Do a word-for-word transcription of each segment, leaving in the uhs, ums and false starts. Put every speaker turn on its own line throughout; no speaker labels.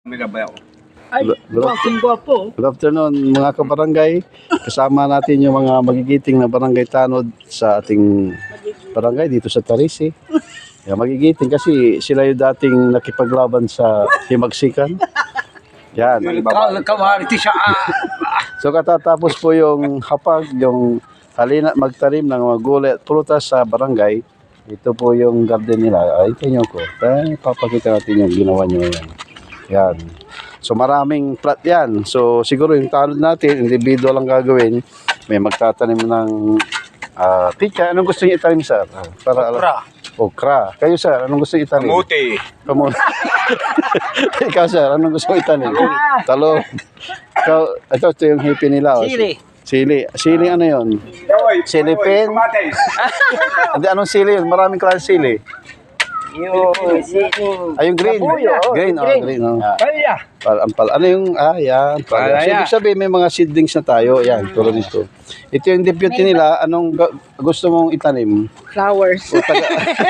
Ay,
Good,
gwapo.
good afternoon mga kabarangay. Kasama natin yung mga magigiting na barangay tanod sa ating barangay dito sa Tarisi. Yeah, magigiting kasi sila yung dating nakipaglaban sa himagsikan. Yan. So katatapos po yung hapag, yung halina magtanim ng mga gulay at prutas sa barangay. Ito po yung garden nila. Ay, tingnan ko. Ay, papakita natin yung ginawa nyo yan. Yan. So maraming plot yan. So siguro yung tanod natin, individual lang gagawin. May magtatanim ng uh, pika. Anong gusto niyo itanim, sir? Uh, para
Okra.
Okra. Kayo, sir, anong gusto niyo itanim?
Kamuti.
Kamuti. Ikaw, sir, anong gusto mo itanim? Talong. Ikaw, ito, ito yung hippie nila. Oh.
Sili.
Sili. Sili ano yun? Sili pin? Hindi, anong sili yun? Maraming klase sili.
Yung sili.
Ay, yung green.
Kabuyo, oh,
Green, oh,
green.
green. Oh.
Kaya.
Pal, ampal. Ano yung, ah, yan. Pal. So, ibig sabihin, may mga seedlings na tayo. Yan, tulad nito. Ito yung deputy nila. Anong ga- gusto mong itanim?
Flowers.
O, taga-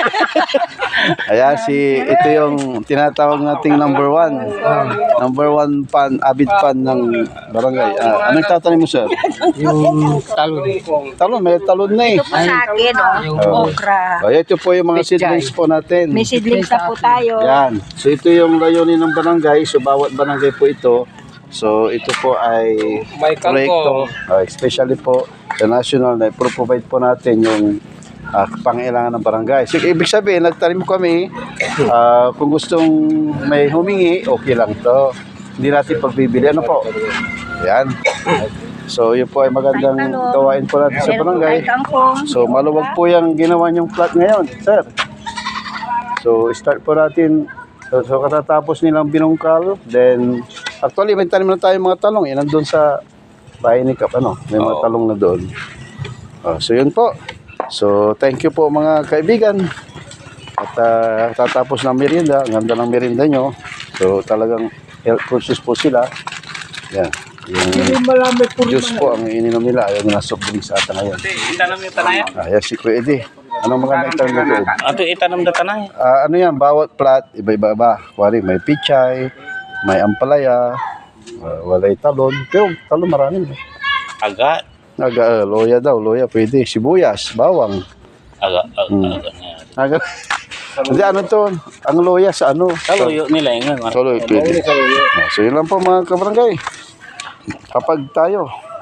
Ayan, si, ito yung tinatawag nating number one. Number one fan, avid fan ng barangay. Ah, anong tatanim mo, sir?
Yung talon.
Talon, may talon na eh.
Ito po sa akin, oh. Yung
Oh.
okra.
Oh, ito po yung mga seedlings po natin.
May seedlings na po tayo.
Yan. So ito yung layunin ng barangay. So bawat barangay po ito. So ito po ay
May
proyekto, uh, especially po sa national na pro-provide po natin yung uh, pangailangan ng barangay. So ibig sabihin, nagtanim kami, uh, kung gustong may humingi, okay lang to. Hindi natin pagbibili. Ano po? Yan. So yun po ay magandang gawain po natin sa barangay. So maluwag po yung ginawa niyong plot ngayon, sir. So start po natin. So, so katatapos nilang binungkal, then actually may tanim na tayo mga talong. Yan nandun sa bahay ni Kap, ano? May mga talong na doon. Oh, so yun po. So thank you po mga kaibigan. At uh, tatapos ng merienda, ang ganda ng merienda nyo. So talagang health conscious po sila. Yan. Yung
Malamit po
juice po ang ininom nila. Ayaw na soft drinks ata ngayon.
Itanam yung tanay.
Ayan si Kuya Eddie. Anong mga naitanong mo doon?
Ato itanam na tanay.
Ah, ano yan, bawat plat, iba-iba ba? Kuwari, may pichay, may ampalaya, uh, walay talon. Pero talon marami. Eh.
Aga.
Aga, uh, loya daw, loya pwede. Sibuyas, bawang.
Aga. Aga.
Hmm.
Aga.
Aga. Hindi, ano to? Ang loya sa ano?
Kaluyo nila yung nga.
Solo, pwede. Ah, so yun lang po mga kabarangay. Kapag tayo,